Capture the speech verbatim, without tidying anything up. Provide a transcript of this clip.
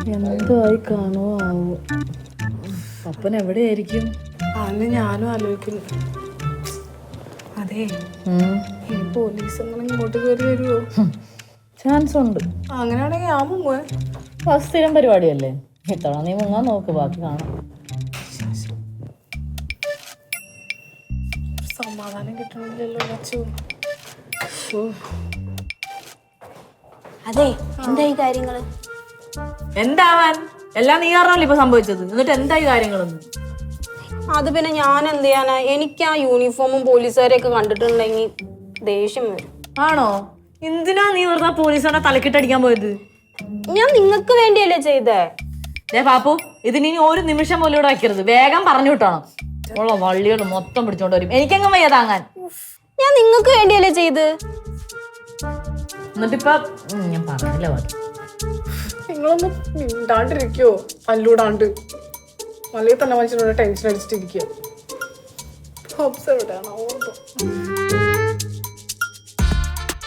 എന്തായി കാണോ ആവോ. പപ്പൻ എവിടെയായിരിക്കും? അന്ന് ഞാനും ആലോചിക്കുന്നു. അതെ, ഈ പോലീസ് ഇങ്ങോട്ട് കയറി വരുമോ? ചാൻസ് ഉണ്ട്. അങ്ങനെയാണെങ്കിൽ ഞാൻ മുങ്ങുവേ. സ്ഥിരം പരിപാടിയല്ലേ, ഇത്തവണ നീ മുങ്ങാൻ നോക്ക്, ബാക്കി കാണാം. സമാധാനം കിട്ടണില്ലല്ലോ ലച്ചു. അതെ, എന്തായി കാര്യങ്ങള്? എന്താവാൻ, എല്ലാം നീ കാരണമല്ലേ ഇപ്പൊ സംഭവിച്ചത്. എന്നിട്ട് എന്തായി കാര്യങ്ങളൊന്നും? അത് പിന്നെ ഞാൻ എന്ത് ചെയ്യാനാ? എനിക്ക് ആ യൂണിഫോമും പോലീസുകാരെയൊക്കെ കണ്ടിട്ടുണ്ടെങ്കിൽ ദേഷ്യം വരും. ആണോ? എന്തിനാ നീ വെറുതെ പോലീസുകാരെ തലക്കിട്ടടിക്കാൻ പോയത്? ഞാൻ നിങ്ങൾക്ക് വേണ്ടിയല്ലേ ചെയ്തേ. ഏ പാപ്പു, ഇതിനി ഒരു നിമിഷം പോലും ഇവിടെ വയ്ക്കരുത്. വേഗം പറഞ്ഞു വിട്ടണം. ഉള്ള വള്ളികൾ മൊത്തം പിടിച്ചോണ്ട് വരും. എനിക്കെങ്ങും വയ്യ താങ്ങാൻ. ഞാൻ നിങ്ങൾക്ക് വേണ്ടിയല്ലേ ചെയ്ത്. എന്നിട്ടിപ്പ ഞാൻ പറഞ്ഞില്ല ബാക്കി. നിങ്ങളൊന്ന് മിണ്ടാണ്ടിരിക്കോ? അല്ലൂടാണ്ട് അല്ലെങ്കിൽ തന്നെ മനുഷ്യനോട് ടെൻഷൻ അടിച്ചിട്ടിരിക്കുക. എവിടെയാണോ?